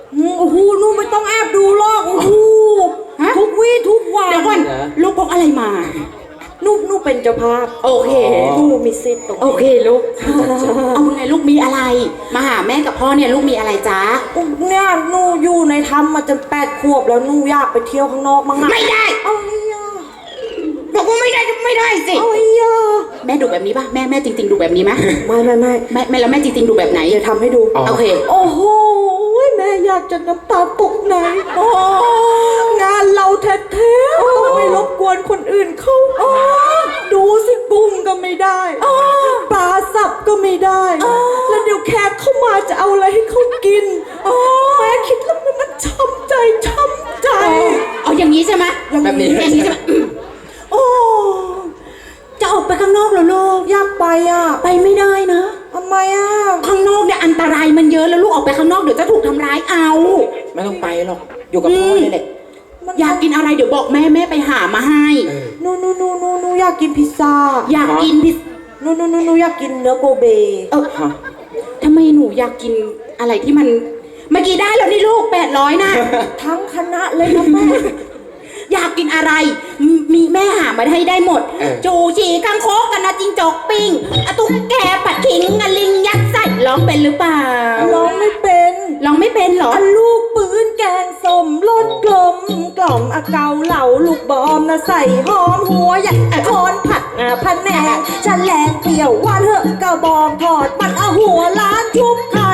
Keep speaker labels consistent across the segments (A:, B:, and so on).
A: โอ้โหนู่ไม่ต้องแอบดูหรอกโอ้โหทุกวี่ทุกวัน
B: เดี๋ยวก่อนลูกพกอะไรมา
A: นูเป็นเจ้าภาพ
B: โอเค
A: นูมีสิทธิ์ตรงนี้
B: โอเคลูกเอาไงลูกมีอะไรมาหาแม่กับพ่อเนี่ยลูกมีอะไรจ๊ะ
A: เนี่ยนูอยู่ในถ้ำมาจน8 ขวบแล้วนูอยากไปเที่ยวข้างนอกมั้ง
B: ไม่ได้
A: เอาไอ้ยา
B: บอกว่าไม่ได้สิ
A: เอาไอ้ยา
B: แม่ดูแบบนี้ป่ะแม่จริงๆดูแบบนี้ไหม
A: ไม่
B: แล้วแม่จริงๆดูแบบไหน
A: เดี๋ยวทำให้ดู
B: โอเค
A: โอ้โหแม่อยากจะน้ำตาตกไหนงานเราแท้ๆต้องไม่รบกวนคนอื่นเขาดูสิกุ้งก็ไม่ได้ปลาสับก็ไม่ได้แล้วเดี๋ยวแขกเข้ามาจะเอาอะไรให้เขากินแม่คิดแล้วมันช้ำใจ
B: เอาอย่างนี้ใช่ไหม
C: แบบนี้
B: อย่างนี้ใช่ไหม
A: โอ้
B: จะออกไปข้างนอกเหรอลูก
A: อยากไป
B: ไปไม่ได้นะ
A: ทำไม
B: ข้างนอกเนี่ยอันตรายมันเยอะแล้วลูกออกไปข้างนอกเดี๋ยวจะถูกทำร้ายเอา
C: ไม่ต้องไปหรอกอยู่กับพ่อนี่แหละ
B: อยากกินอะไรเดี๋ยวบอกแม่ไปหามาให้
A: นูอยากกินพิซซ่า
B: อยากกินพิซ
A: นูอยากกินเนื้อโกเบ
B: ทำไมหนูอยากกินอะไรที่มันเมื่อกี้ได้แล้วนี่ลูก800นะ
A: ทั้งคณะเลยนะแม่
B: อยากกินอะไรมีแม่หามาให้ได้หมดจูชีกังโคกกันนะจิงจกปิ้งตุ๊กแกปัดขิงลิงยัดใส่ร้องเป็นหรือเปล่า
A: ร้องไม่เป็น
B: เหรอ
A: ลูกปืนแกงส้มรสกลมเกาเหลาลูกบอมนะใส่หอมหัวใหญ่คอนผัดพันแหนงฉันแหลกเปรี้ยวหวานเหอะกระบองทอดมันเอาหัวล้านชุบไข่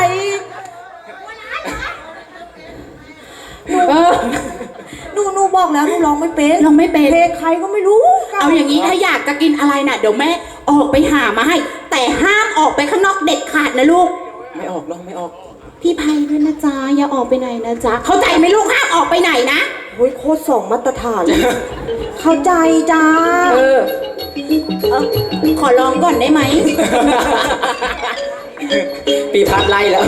A: นูบอกแล้วนูร้องไม่เป็นเพลงใครก็ไม่รู้
B: เอาอย่างนี้ถ้าอยากจะกินอะไรน่ะเดี๋ยวแม่ออกไปหามาให้แต่ห้ามออกไปข้างนอกเด็ดขาดนะลูก
C: ไม่ออกหรอกไม่ออก
B: พี่ไพด้วยนะจ๊ะอย่าออกไปไหนนะจ๊ะเข้าใจไหมลูกห้ามออกไปไหนนะ
A: โอ้ยโคตร2 มาตรฐานเข้าใจจ้า
B: ขอลองก่อนได้ไหม
C: ปีพัดไล่แล้ว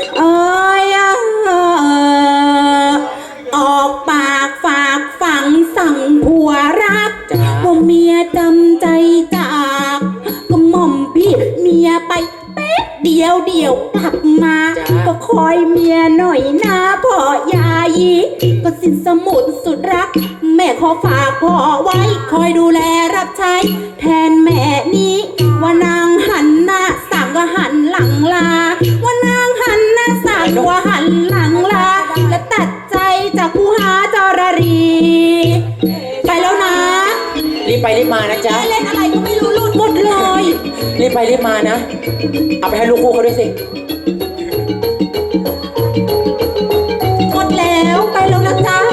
B: ออกปากฝากฝังสั่งผัวรักว่าเมียจำใจจากก็หม่อมพี่เมียไปเป๊ะเดียวกลับมาก็คอยเมียหน่อยนะพ่อยายีก็สินสมุดสุดรักแม่ขอฝากพ่อไว้คอยดูแลรับใช้แทนแม่นี้ว่านางหันหน้าสั่งก็หันหลังลาว่านางหันหน้าสั่งว่าหันหลังลาและตัดใจจากผู้หาจรรีไปแล้วนะ
C: รีบไปรีบมานะจ๊ะ
B: เล่นอะไรก็ไม่รู้หลุดหมดเลย
C: รีบไปรีบมานะเอาไปให้ลูกคู่เขาด้วยสิ
B: หมดแล้วไปแล้วนะจ๊ะ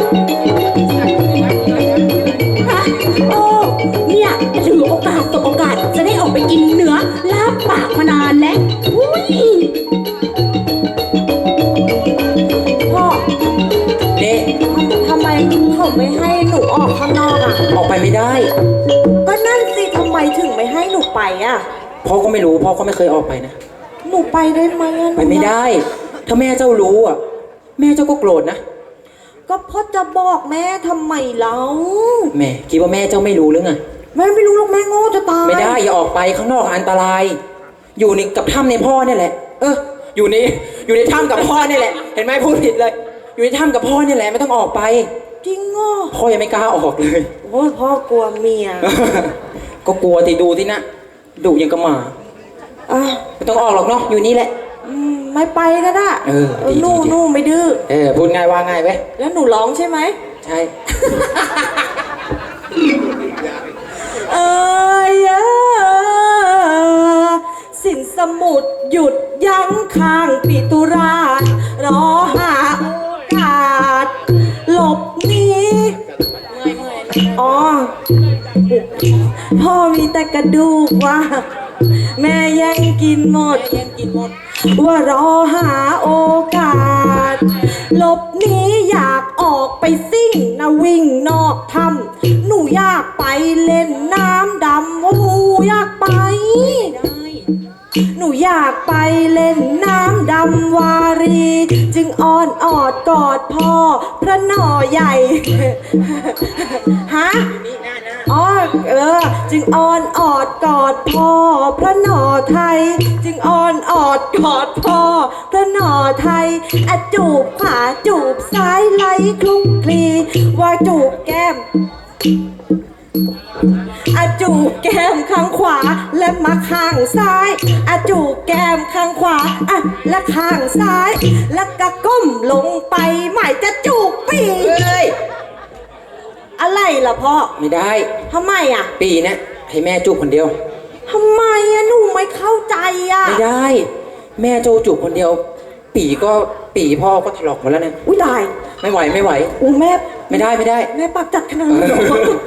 B: โอ้เนี่ยถือโอกาสจะได้ออกไปกินเนื้อลาบปากมานานแล้ว
A: พ่อ
C: เด็ก
A: ทำไมเขาไม่ให้หนูออกข้างนอก
C: ออกไปไม่ได้
A: ก็นั่นสิทำไมถึงไม่ให้หนูไป
C: พ่อก็ไม่รู้พ่อก็ไม่เคยออกไปนะ
A: หนูไปได้ไหม
C: ไปไม่ได้ถ้าแม่เจ้ารู้แม่เจ้าก็โกรธนะ
A: ก็พ่อจะบอกแม่ทำไมแล้ว
C: แม่คิดว่าแม่เจ้าไม่รู้หรือไง
A: แม่ไม่รู้หรอกแม่โง่จะตาย
C: ไม่ได้อย่าออกไปข้างนอกอันตรายอยู่ในกับถ้ำในพ่อเนี่ยแหละอยู่ในถ้ำกับพ่อเนี่ยแหละเห็นไหมพูดผิดเลยอยู่ในถ้ำกับพ่อเนี่ยแหละไม่ต้องออกไป
A: จริง
C: พ่อยังไม่กล้าออกเลย
A: โอ้ยพ่อกลัวเมีย
C: ก็กลัวที่ดูที่นะดุยังกระหมาไม่ต้องออกหรอกเนาะอยู่นี่แหละ
A: ไม่ไปก็ได้นู่ไม่ดื้อ
C: พูดง่ายว่าง่ายเว้ย
A: แล้วหนูร้องใช่ไหม
C: ใช่
A: สินสมุดหยุดยั้งข้างปิตุรารอหาโอกาสหลบหนีพ่อมีแต่กระดูกว่าแม่ยังกินหมดว่ารอหาโอกาสหลบหนีอยากออกไปซิ่งนะวิ่งนอกถ้ำหนูอยากไปเล่นน้ำดำอยากไปหนูอยากไปเล่นน้ำดำวารีจึงอ้อนออดกอดพ่อพระหน่อใหญ่ฮะอ๋อจึงอ้อนออดกอดพ่อพระหนอไทย จึงอ้อนออดกอดพ่อพระหนอไทยอะจูบขวาจูบซ้ายไหลคลุกคลีว่าจูบแก้มอะจูบแก้มข้างขวาและมาข้างซ้ายอะจูบแก้มข้างขวาอะและข้างซ้าย แล้วก็ก้มลงไปหมายจะจูบปี
C: เฮ้ย
A: อะไรล่ะพ่อ
C: ไม่ได้
A: ทำไมอ่ะ
C: ปีเนี้ยให้แม่จูบคนเดียว
A: ทำไมอะหนูไม่เข้าใจอ่ะ
C: ไม่ได้ แม่โจจูบคนเดียว ปีพ่อก็ถลอกหมดแล้วเนี่ย
A: อุ้ยตาย
C: ไม่ไหวไม่ไหว
A: อู้แม่
C: ไม่ได้ไม่ได้
A: แม่ปากจัดขนาดนั้นเหรอ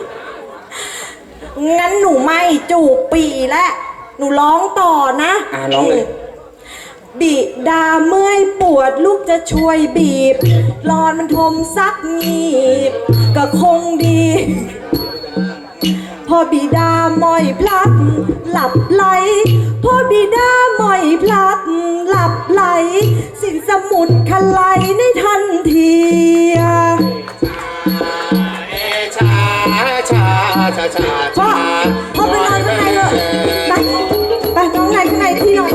A: งั้นหนูไม่จูบปีและหนูร้องต่อนะ
C: ร้องเลย
A: บิดาเมื่อยปวดลูกจะช่วยบีบรอนมันทมซักงีบ ก็คงดี พอบิดาหมอยพลัดหลับไหลพอบิดาหมอยพลัดหลับไหล สินสมุดคลายในทันที พ่อไปนอนข้างในเถอะไปนอนข้างในที่นอน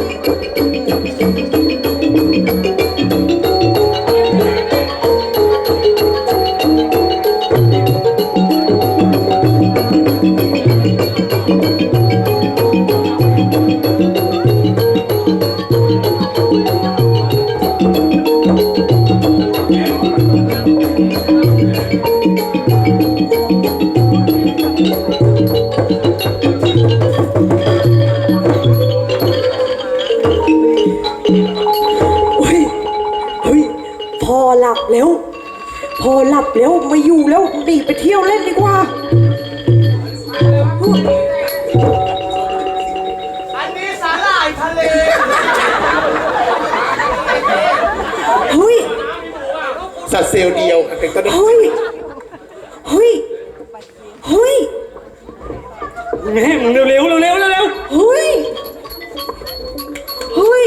A: พอหลับแล้วไม่อยู่แล้วหนีไปเที่ยวเล่นดีกว่า
D: อันนี้สาหร่ายทะเล
A: เฮ้ย
D: สัตว์เซลล์เดียวกันก็ได้
A: เฮ้ย เฮ้ย เฮ้ย
D: แม่มึงเร็วเร็วเร็วเร็วเร็ว
A: เฮ้ย เฮ้ย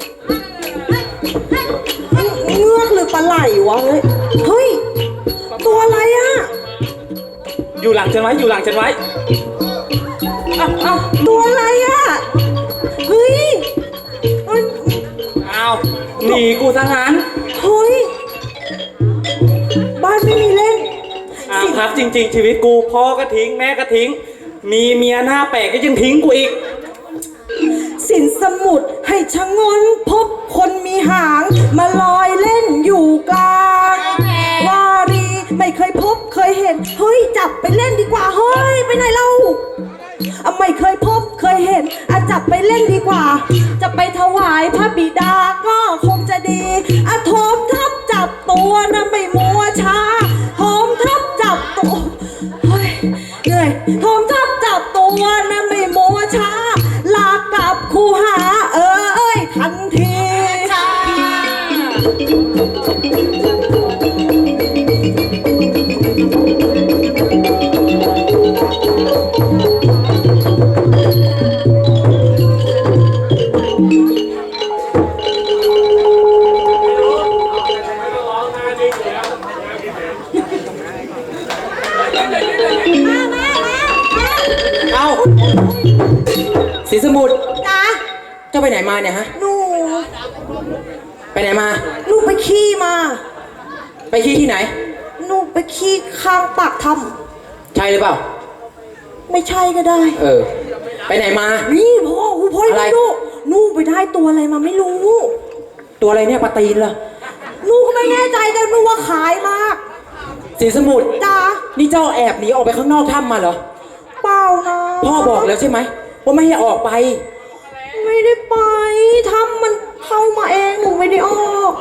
A: เงือกหรือปลาไหลวะเฮ้ย ตัวอะไรอ่ะ
D: อยู่หลังฉันไว้อยู่หลังฉันไว้เอ้า
A: ตัวอะไรอ่ะ เฮ้ยเฮ้ย
D: อ้าวหนีกูซะงั้น
A: เฮ้ย บ้านไม่มีเล่น
D: พักจริง ๆ ชีวิตกูพ่อก็ทิ้งแม่ก็ทิ้ง มีเมียหน้าแปลกก็ยังทิ้งกูอีก
A: สินสมุดให้ชะงนพบคนมีหางมาลอยเล่นอยู่กลางวารีไม่เคยพบเคยเห็น เฮ้ยจับไปเล่นดีกว่า เฮ้ยไปไหนเราไม่เคยพบเคยเห็นจับไปเล่นดีกว่า จะไปถวายพระบิดาก็คงจะดีโถมทับจับตัวนะไม่มัวช้าโถมทับจับตัวเฮ้ยเหนื่อยโถมทับจับตัวนะไม่มัวช้าลากับคูหาเอ้ยทันที
C: เอาสีสมุทร
A: จ้า
C: เจ้าไปไหนมาเนี่ยฮะ
A: หนู
C: ไปไหนมา
A: หนูไปขี้มา
C: ไปขี้ที่ไหน
A: หนูไปขี้ข้างปากถ้
C: ใช่หรือเปล่า
A: ำไม่ใช่ก็ได้
C: ไปไหนมา
A: นี่พ่อ
C: อะไร
A: ดูหนูไปได้ตัวอะไรมาไม่รู้
C: ตัวอะไรเนี่ยปลาตีนเหรอ
A: หนูก็ไม่แน่ใจแต่หนูว่าขายมาก
C: สีสมุทร
A: จ้า
C: นี่เจ้าแอบหนีออกไปข้างนอกถ้ำมาเหรอ
A: เปล่านะ
C: พ่อบอกแล้วใช่ไหมว่าไม่ให้ออกไป
A: ไม่ได้ไปทำมันเข้ามาเองหนูไม่ได้ออก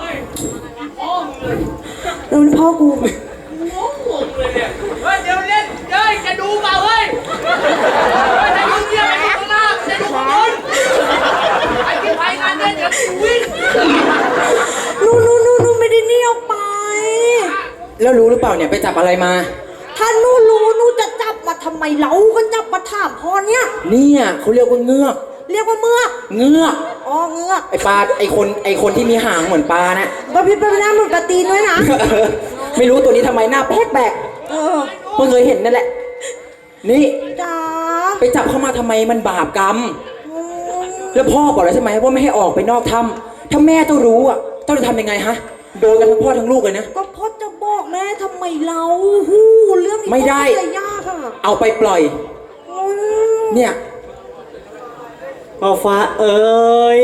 A: เดี๋ยวพ่อกู
D: เฮ้ยเดี๋ยวเล่นเฮ้ยจะดูเปล่าเฮ้ยจะดูเที่ยวไปข้างหน้าจะดูข้างบนไอ้ที่ไปงานเนี่ยเดี๋ยววิ่ง
A: หนูไม่ได้หนี่ออกไป
C: แล้วรู้หรือเปล่าเนี่ยไปจับอะไรมา
A: ถ้าหนูรู้หนูจะจับมาทำไมเราก็จับมาถามพ่อเนี่ย
C: เนี่ยเขาเรียกว่าเงือก
A: เรียกว่าเมือก
C: เงือก
A: อ๋อเงือก
C: ไอปลาไอคนที่มีหางเหมือนปลานะ
A: บะพี่เป็นหน้าเหมือนปลาตีนด้วยนะ
C: ไม่รู้ตัวนี้ทำไมหน้าแปลก
A: เออ
C: เพิ่งเคยเห็นนั่นแหละนี่
A: จ๋า
C: ไปจับเข้ามาทำไมมันบาปกรรม แล้วพ่อบอกแล้วใช่ไหมว่าไม่ให้ออกไปนอกถ้ำถ้าแม่ต้องรู้อ่ะต้องจะทำยังไงฮะ โดนกันทั้งพ่อทั้งลูกเลยนะ
A: ก็พ่อจะบอกแม่ทำไมเราหูเรื่องนี้
C: ไม่ได้
A: พ่อจะยากอ่ะ
C: เอาไปปล่อย เนี่ย
E: ว่าฟ้าเอ๋ย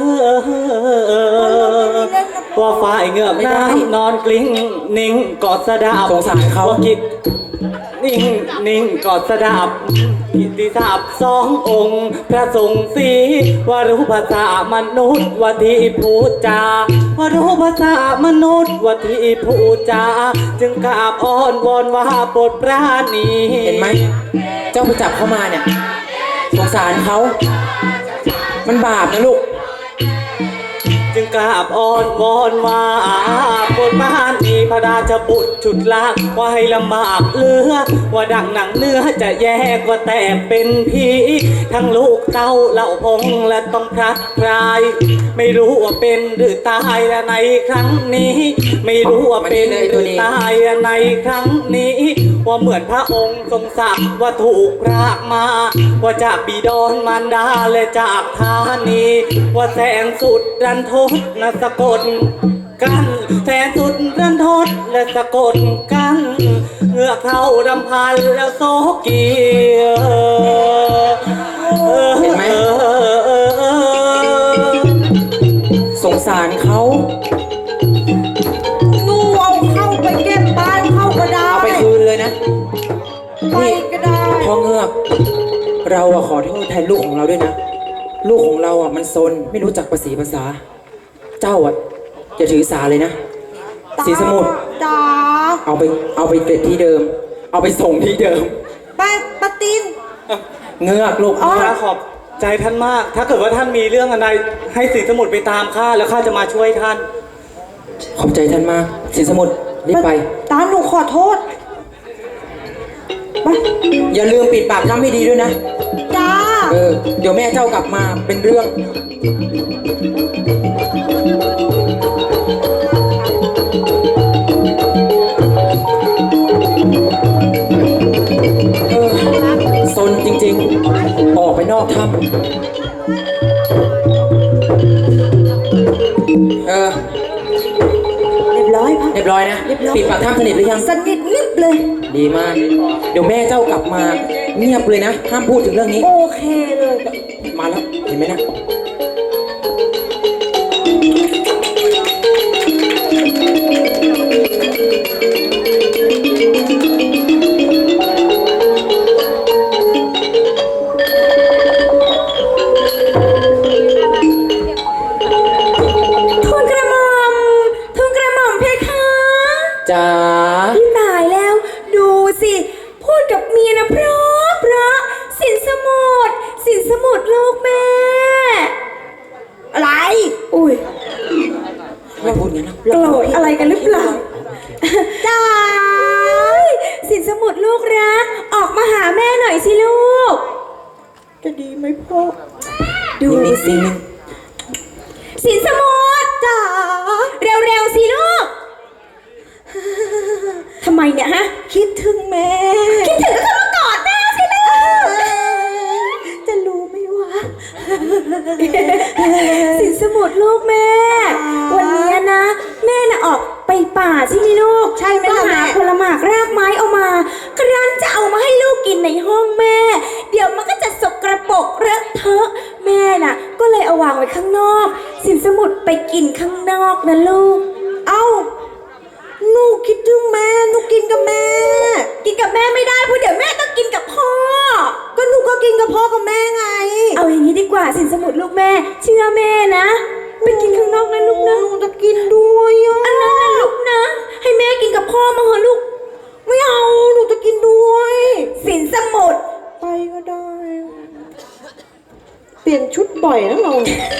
E: ว่าฟ้าไอเงือกน้ำนอนกลิ้งนิ่งกอดสะดาบ
C: สงสารเขา
E: ว่ากิดนิ่งกอดสะดาบกิตติศัพท์สององค์ พระสงฆ์สีว่ารู้ภาษามนุษย์ว่าที่พูดจาว่ารู้ภาษามนุษย์ว่าที่พูดจาจึงกราบอ้อนวอนว่าโปรดปราณี
C: เห็นไหม เจ้าไปจับเข้ามาเนี่ย สงสารเขา มันบาปนะลูก
E: จึงกราบอ้อนวอนว่าบนบ้านมีพระราชบุตรชุดลากว่าให้ลำบากเหลือ ว่าดังหนังเนื้อจะแยกว่าแตกเป็นผีทั้งลูกเต้าเหล่าพงและต้องพลัดพราย ไม่รู้ว่าเป็นหรือตายในครั้งนี้ ไม่รู้ว่าเป็นหรือตายในครั้งนี้ ว่าเหมือนพระองค์ทรงสักว่าถูกรากมา ว่าจากบิดรมารดาและจากธานี ว่าแสนสุดรันทดและสะกดกันแสนสุดรันทดและสะกดกันเงือกเท่ารำพันแล้วโซกี
C: เห็นไหม สงสารเขา
A: หนูเอาเข้าไปเก็บบ้านเข้าก็ได้
C: เอาไปคืนเลยนะ
A: ไป
C: นี่
A: ก็ได้
C: พ่อเงือก เราอะขอโทษแทนลูกของเราด้วยนะ ลูกของเราอะมันซนไม่รู้จักภาษีภาษา เจ้าอะอย่าถือสาเลยนะ สีสมุทร
A: จ๋า
C: เอาไปเก็บที่เดิม เอาไปส่งที่เดิม
A: ไปปะติน
C: เงือกลูก
E: ข้าขอบใจท่านมาก ถ้าเกิดว่าท่านมีเรื่องอะไรให้สินสมุทรไปตามข้าแล้วข้าจะมาช่วยท่าน
C: ขอบใจท่านมาก สีสมุทรรีบไป
A: ตาหนูขอโทษไป
C: อย่าลืมปิดปากถ้ำให้ดีด้วยนะ
A: จ้า
C: เดี๋ยวแม่เจ้ากลับมาเป็นเรื่อง ซนจริงๆ ออกไปนอกถ้ำ
A: เรียบร้อยพ่อ
C: เรียบร้อยนะ
A: เรียบร้อย
C: ปิดปากถ้ำสนิทหรือยัง
A: สนิทนิบเลย
C: ดีมาก เดี๋ยวแม่เจ้ากลับมาเงียบเลยนะ ห้ามพูดถึงเรื่องนี้
A: โอเคเลย
C: มาแล้ว เห็นไหมนะ
B: ทูลกระหม่อมเพคะ
C: จ๋า
B: พี่ตายแล้ว ดูสิ พูดกับเมียนะเพราะสินสมุทรลูกแม่
A: อะไร
B: อุ้ย
C: ไม่พูดงั้นนะ
B: โกรธอะไรกันหรือเปล่าจ้าสินสมุทรลูกรัก ออกมาหาแม่หน่อยสิลูก
A: จะดีไหมพ่อ
B: ดู
C: นิ่ง
B: สิ
C: ๆนิ่ง
B: สินสมุทรจ้าเร็วๆสิลูก ทำไมเนี่ยฮะ
A: คิดถึงแม่
B: คิดถึงก็เข้ามากอดแม่สิลูก
A: จะรู้ไหมวะ
B: สินสมุทรลูกแม่ วันนี้นะ แม่น่ะออกไปป่าใช่ไหมลูก
A: ใช่ไหม
B: ก็
A: ล่ะ
B: หา
A: แม่
B: ผลหมากรากไม้เอามาครั้นจะเอามาให้ลูกกินในห้องแม่ เดี๋ยวมันก็จะสกระปรกเลอะเทอะแม่น่ะ ก็เลยเอาวางไว้ข้างนอก สินสมุทรไปกินข้างนอกนะลูก
A: เอ้าหนูคิดถึงแม่หนูกินกับแม่
B: กินกับแม่ไม่ได้เพราะเดี๋ยวแม่ต้องกินกับพ่อ
A: ก็หนูก็กินกับพ่อกับแม่ไง
B: เอาอย่างนี้ดีกว่าสินสมุทรลูกแม่ เชื่อแม่นะไปกินข้างนอกนะลูกนะ
A: หนูจะกินด้วยอ่ะ
B: อันนั้นนะลูกนะ ให้แม่กินกับพ่อมาเหอะลูก
A: ไม่เอาหนูจะกินด้วย
B: สินสมุทร
A: ไปก็ได้ เปลี่ยนชุดบ่อยนะเรา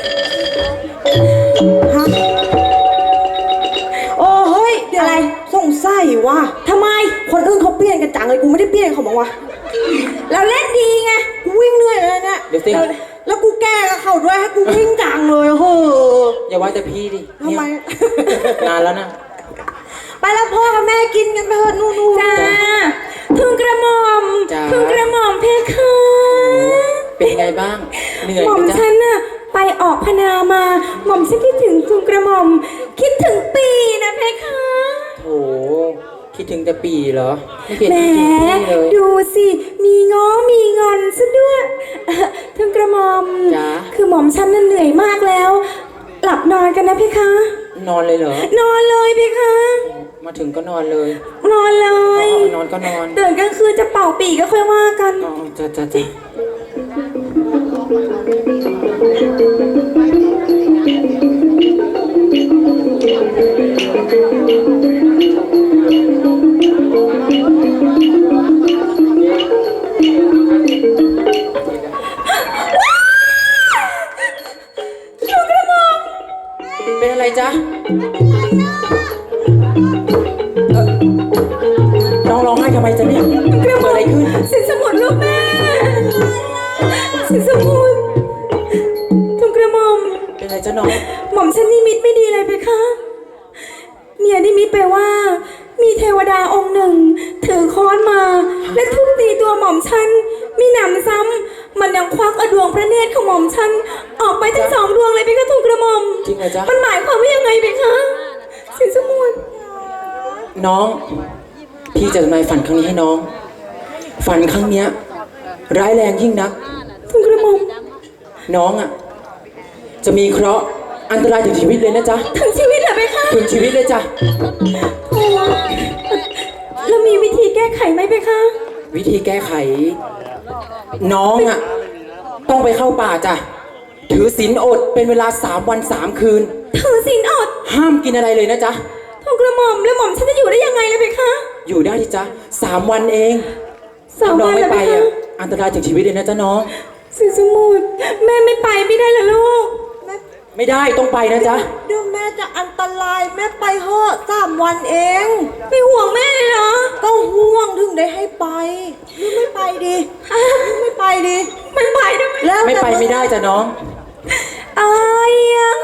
A: ฮะโอ้เฮ้ยเดี๋ยว
B: อะไร
A: สงสัยว่ะ
B: ทำไม
A: คนอื่นเขาเปลี่ยนกันจังเลยกูไม่ได้เปลี่ยนเขาบอกว่า
B: เราเล่นดีไง
A: กูวิ่งเหนื่อยเลยเนี่ย
C: เดี๋ยวสิ
A: แล้วกูแก้กับเขาด้วยให้กูวิ่งจังเลยเฮ้อ
C: อย่าว่าแต่พี่ดิ
A: ทำไม
C: เนี่ยนานแล้วนะ
A: ไปแล้วพ่อกับแม่กินกันไปเถอะนู่นๆ
B: จ้าทูลกระหม่อม
C: จ้า
B: ทูลกระหม่อมเพคะ
C: เป็นไงบ้าง เหนื่อย
B: หม่อ
C: ไห
B: ม
C: มจ๊ะ
B: ฉันน่ะไปออกพนามา หม่อมฉันคิดถึงทูลกระหม่อม คิดถึงปีนะเพคะ
C: โอ้คิดถึงแต่ปีเหรอ ไม่เห็น
B: แหม
C: คิดถึงพี่เลย
B: ดูสิ มีง้อมีงอนซะด้วยทูลกระหม่อม
C: จ๊ะ
B: คือหม่อมฉันน่ะเหนื่อยมากแล้ว หลับนอนกันนะเพคะ
C: นอนเลยเหรอ
B: นอนเลยเพคะ
C: มาถึงก็นอนเลย
B: นอนเล
C: อ๋อย นอนก็นอน
B: ตื่นกลางคืนจะเป่าปีกก็ค่อยว่ากัน
C: อ๋อจ้ะเป็นอะไรจ๊ะน้องร้องไห้ทำไมจ๊ะเนี่ยเกิดอะไรขึ้น
B: สินสมุดลูกแม่ สินสมุดทุกกระหม่อม
C: เป็นอะไรจ๊ะน้อง
B: หม่อมฉันนิมิตไม่ดีเลยเพคะ เมียนิมิตไปว่า มีเทวดาองค์หนึ่ง ถือค้อนมา และทุบตีตัวหม่อมฉัน มีหนำซ้ำมันยังควักเอาดวงพระเนตรของหม่อมฉัน ออกไปทั้งสองดวงเลยเพคะทุกกระหม่อม
C: จริงเหรอจ๊ะ
B: มันหมายความว่ายังไงเพคะ สินสมุด
C: น้อง พี่จะทำนายฝันครั้งนี้ให้น้อง ฝันครั้งเนี้ย ร้ายแรงยิ่งนัก
B: ทุกกระหม่อม
C: น้องอ่ะ จะมีเคราะห์อันตรายถึงชีวิตเลยนะจ๊ะ
B: ทั้งชีวิตเหรอเพคะ
C: ถึงชีวิตเลยจ้ะ
B: โอ้แล้วมีวิธีแก้ไขไหมเพคะ
C: วิธีแก้ไข น้องอ่ะ ต้องไปเข้าป่าจ้ะ ถือศีลอดเป็นเวลา3 วัน 3 คืน
B: ถือศีลอด
C: ห้ามกินอะไรเลยนะจ๊ะ
B: ทุกกระหม่อมแล้วหม่อมฉันจะอยู่ได้ยังไงเลยเพคะ
C: อยู่ได้ที่จ๊ะ3 วันเอง
B: สาม
C: ถ้าน้อ
B: วั
C: ง
B: น
C: ไม่
B: แล้ว
C: ไป
B: เพคะ
C: อ่ะ อันตรายถึงชีวิตเลยนะจ๊ะน้อง
B: สินสมุดแม่ไม่ไปไม่ได้เหรอลูก
C: ไม่ได้ต้องไปนะจ๊ะ
A: เดี๋ยวแม่จะอันตรายแม่ไปเหอะ3 วันเอง
B: ไม่ห่วงแม่เลยเหรอ
A: ก็ห่วงถึงได้ให้ไปหรือไม่ไปดีหรือไม่ไปดี
B: ไม่ไปได้ไหม
A: แล้ว
C: ไม่ไปไม่ได้จ้ะน้อง
B: อาย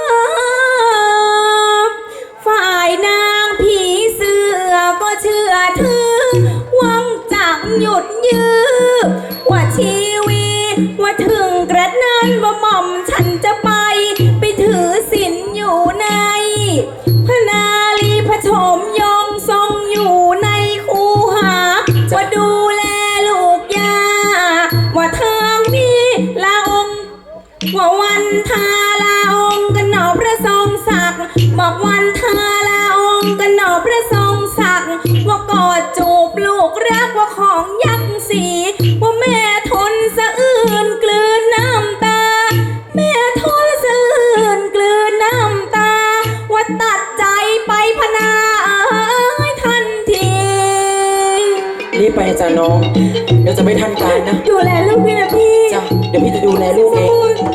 B: ฝ่ายนางผีเสือก็เชื่อถือหวังจังหยุดยื้อว่าชีวิตว่าถึงกระนั้นว่าหม่อมฉันจะไปถือศีลอยู่ในพระนาลีพระชมยองทรงอยู่ในคูหาว่าดูแลลูกยาว่าทางนี้ลาองค์ว่าวันทาลาองค์กันหนอพระทรงศักดิ์บอกวันทาลาองค์กันหนอพระทรงศักดิ์ว่ากอดจูบลูกรักว่าของยักษ์สีว่าแม่ทนสะอื้นกลืนน้ำตาแม่ทนสะอื้นกลืนน้ำตาว่าตัดใจไปพนาทันที
C: รีบไปนะจ้ะน้อง เดี๋ยวจะไม่ทันการนะ
B: ดูแลลูกพี่นะพี่
C: จ้ะ เดี๋ยวพี่จะดูแลลูกเอง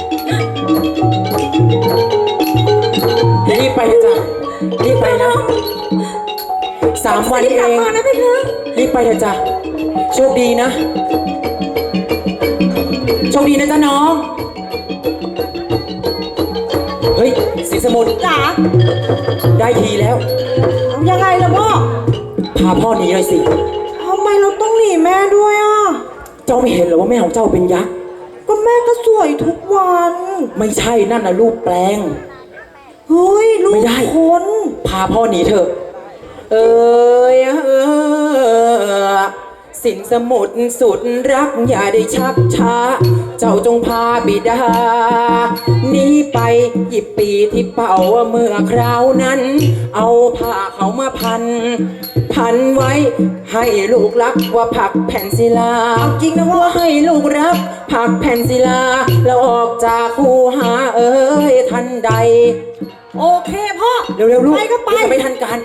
C: รีบไปนะจ้ะ รีบไปนะ3 วัน
B: รีบ
C: เอก
B: ลับ
C: ง
B: มานะพี่คะ
C: รีบไปเถอะจ้ะ โชคดีนะ โชคดีนะจ๊ะน้อง เฮ้ยสีสมุทร
A: จ๋า
C: ได้ทีแล้ว
A: เอายังไงล่ะพ่อ
C: พาพ่อหนีหน่อยสิ
A: ทำไมเราต้องหนีแม่ด้วยอ่ะ
C: เจ้าไม่เห็นเหรอว่าแม่ของเจ้าเป็นยักษ์
A: ก็แม่ก็สวยทุกวัน
C: ไม่ใช่นั่นนะรูปแปลง
A: เฮ้ยลู
C: ไม่
A: ก
C: ได้
A: คน
C: พาพ่อหนีเถอะ สินสมุทรสุดรักอย่าได้ชักช้า เจ้าจงพาบิดาหนีไปหยิบปีที่เป่าเมื่อคราวนั้น เอาผ้าเขามาพันไว้ ให้ลูกรักว่าผักแผ่นศิลา
A: เอาจริงนะพ่อ
C: ว่าให้ลูกรักผักแผ่นศิลา แล้วออกจากคูหาทันใด
A: โอเคพ่อ
C: เร็วๆลูก
A: ไปก็ไป
C: เดี๋ยวจะไม่ทันการ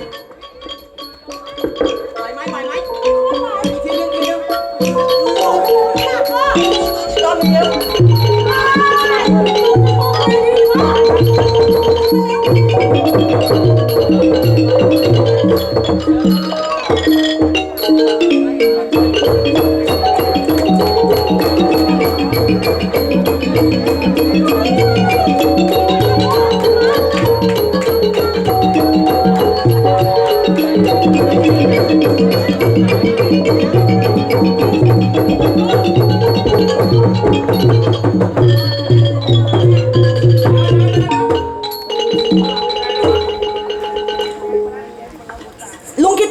B: เ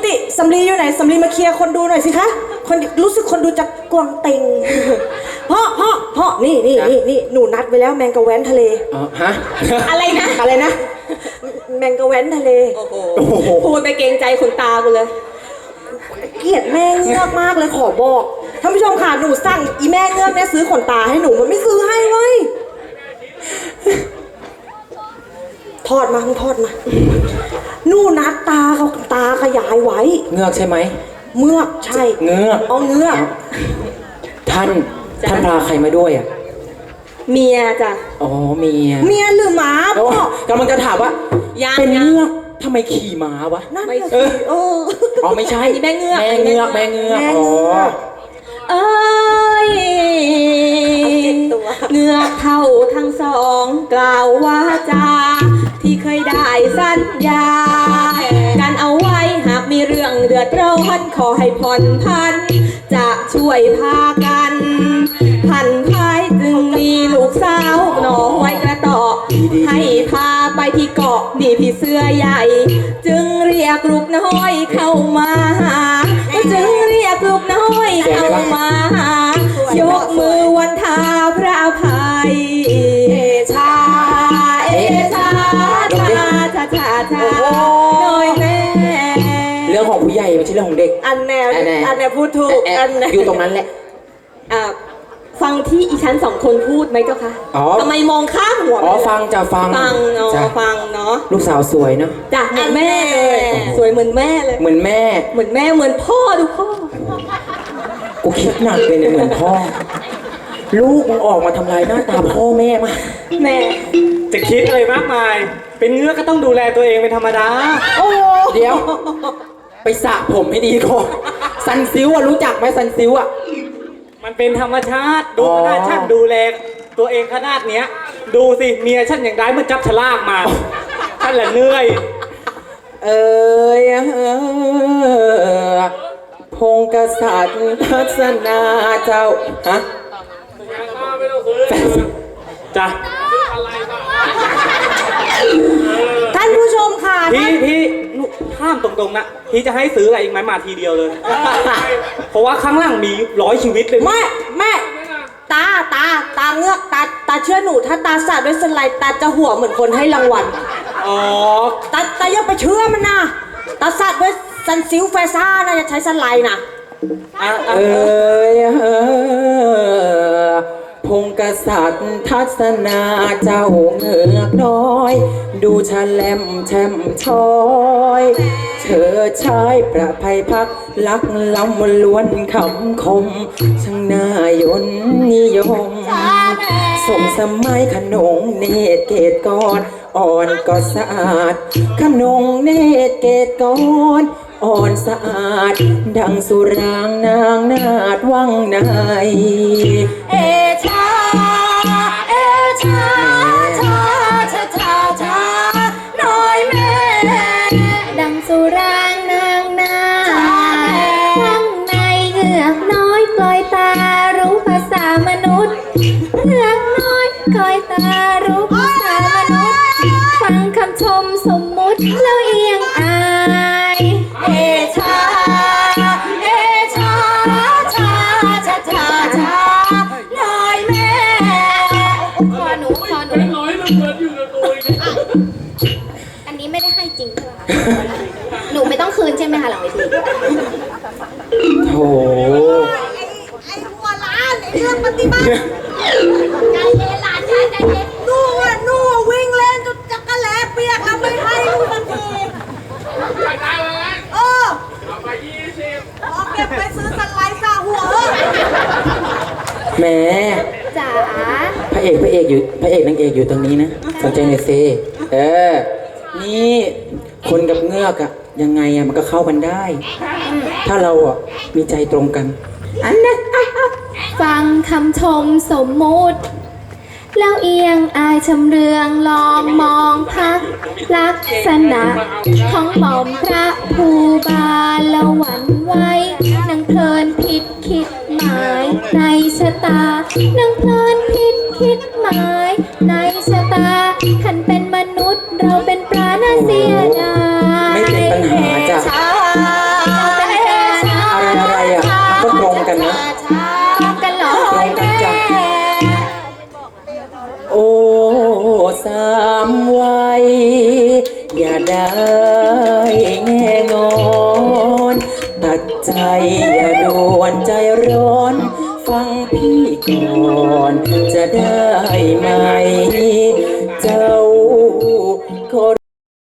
A: นี่สำลีอยู่ไหนสำลีมาเคลียร์คนดูหน่อยสิคะคนรู้สึกคนดูจะกวางเต็งพ่อนี่หนูนัดไว้แล้วแมงกะแว้นทะเล
C: ฮะ
B: อะไรนะ
A: อะไรนะแมงกะแว้นทะเล
B: โอ้โหพูดไปเกรงใจขนตากูเลย
A: เกลียดแม่เงือกมากเลยขอบอกท่านผู้ชมค่ะหนูสั่งอีแม่เงือกเนี่ยซื้อขนตาให้หนูมันไม่ซื้อให้เว้ยทอดมาหนูนัดตาขยายไว้
C: เงือกใช่ไหม
A: เมือกใช่
C: เงือก
A: เอาเงือก
C: ท่านพาใครมาด้วยอ่ะ
B: เมียจ้ะ
C: อ๋อเมีย
A: เมียหรือหมา
C: แล้ว
A: พ่อก
C: ำลังจะถามว่า
B: ยัง
C: เป็นเงือกทำไมขี่ม้าวะ
A: นั่น
B: ไม่
A: น่ะ
B: ใช่
A: สิ
C: อ๋อไม่ใช่
B: แม่เงือก
C: แม่เงือกแม่เงือก
A: แม่
C: อ๋อ
A: เงือก
B: เอ้ย
A: เอาเจ็ดตัว
B: เงือกเท่าทั้งสองกล่าวว่าจาที่เคยได้สัญญากันเอาไว้หากมีเรื่องเดือดร้อนขอให้ผ่อนพัน จะช่วยพากันพันพายจึงมีลูกสาวหน่อไว้กระต่อให้พาไปที่เกาะนี่พี่เสื้อใหญ่ จึงเรียกลูกน้อยเข้ามาหาจึงเรียกลูกน้อยเข้ามาหายกมือวันทาพระอภัยเอชาเอชาชาชาชาชาน้อยแม่
C: เรื่องของผู้ใหญ่ไม่ใช่เรื่องของเด็ก
A: อันแนวพูดถูกอันแนว
C: อยู่ตรงนั้นแหละ
B: ฟังที่อีฉันสองคนพูดไหมเจ้าคะ
C: อ๋อ
B: ทำไมมองข้ามหัว
C: อ๋อฟังจะฟัง
B: ฟังเนาะ
C: จ้ะ
B: ฟังเนาะ
C: ลูกสาวสวยเนาะ
B: จ้ะเหมือนแม่เลยสวยเหมือนแม่เลย
C: เหมือนแม่
B: เหมือนแม่เหมือนพ่อดูพ่อ
C: กูคิดหนักเลยเนี่ยเหมือนพ่อ ลูกมึงออกมาทำลายหน้าตาพ่อแม่มา
B: แม่
E: จะคิดอะไรมากมาย เป็นเงือกก็ต้องดูแลตัวเองเป็นธรรมดา
A: โอ้
C: เดี๋ยว ไปสระผมให้ดีก่อนซันซิวอะรู้จักไหมซันซิวอะ
E: มันเป็นธรรมชาติ ดู
C: อ๋อ
E: ขนาดฉันดูแลตัวเองขนาดเนี้ย ดูสิเมียฉันอย่างไรมันจับฉลากมาฉันแหละเหนื่อย
C: พงกษัตริย์ทัศนาเจ้า ฮะ
E: จ้ะ
A: ท่านผู้ชมค่ะ
E: พี่ลูกห้ามตรงๆนะพี่จะให้ซื้ออะไรอีกไหมมาทีเดียวเลย เพราะว่าข้างล่างมี100 ชีวิตเลย
A: แม่ตาเงือกตาเชื่อหนูถ้าตาสาดด้วยสไลด์ตาจะหัวเหมือนคนให้รางวัล
E: อ๋อ
A: ตาอย่าไปเชื่อมันนะตาสาดด้วยซันซิลแฟซ่านะจะใช้สไลด์นะ
C: พงกษัตริย์ทัศนาเจ้าเงือกน้อย ดูฉลมแช่มช้อยเชิดชายประภัยพักลักล้ำล้วนคำคมช่างน่ายนนิยมสมสมัยขนงเนตรเกตกรอ่อนก็สะอาดขนงเนตรเกตกรอ่อนสะอาดดังสุรางนางนาดวังใน
B: เอชาเอชาชาชาชาชาน้อยแม่
F: ดังสุรางนางนาข้างในเงือกน้อยกลอยตารู้ภาษามนุษย์เงือกน้อยกลอยตารู้ภาษามนุษย์ฟังคำชมสมมุติแล้วเอียงอาย
B: เอชาเอชาชาชาชาชาน้อยแม่
F: ขอหนูอันนี้ไม่ได้ให้จริงใช่ไหมคะหนูไม่ต้องคืนใช่ไหมคะหลังเวที
C: โถ
A: ไอ้หัวล้านไอ้เรื่องปฏิบัติ
F: ใจเย็นหลานชายใจเย็น
A: นู่วิ่งเล่นจนจักรแหลเปียกแล้วไม่ให้ลูกทันทีเออเอาเก็บไปซื้อสไลด์ซาหัว
C: แหม
F: จ๋า
C: พระเอกนางเอกอยู่ตรงนี้นะสนใจหน่อยสินี่คนกับเงือกอะยังไงอะมันก็เข้ากันได้ ถ้าเราอะมีใจตรงกัน
F: อันนั้นฟังคำชมสมมุติ แล้วเอียงอายชำเรืองลองมองพักลักษณะของหม่อมพระภูบาลละหวันไว้นางเพลินผิดคิดหมายในชะตานางเพลินผิดคิดหมายในชะตาท่านเป็นมนุษย์เราเป็นปลาน่าเสียดาย
C: ไม่เป็นปัญหาจ้ะ
B: ชา
C: แง่งอนตัดใจอย่าด่วนใจร้อน ฟังพี่ก่อนจะได้ไหม เจ้า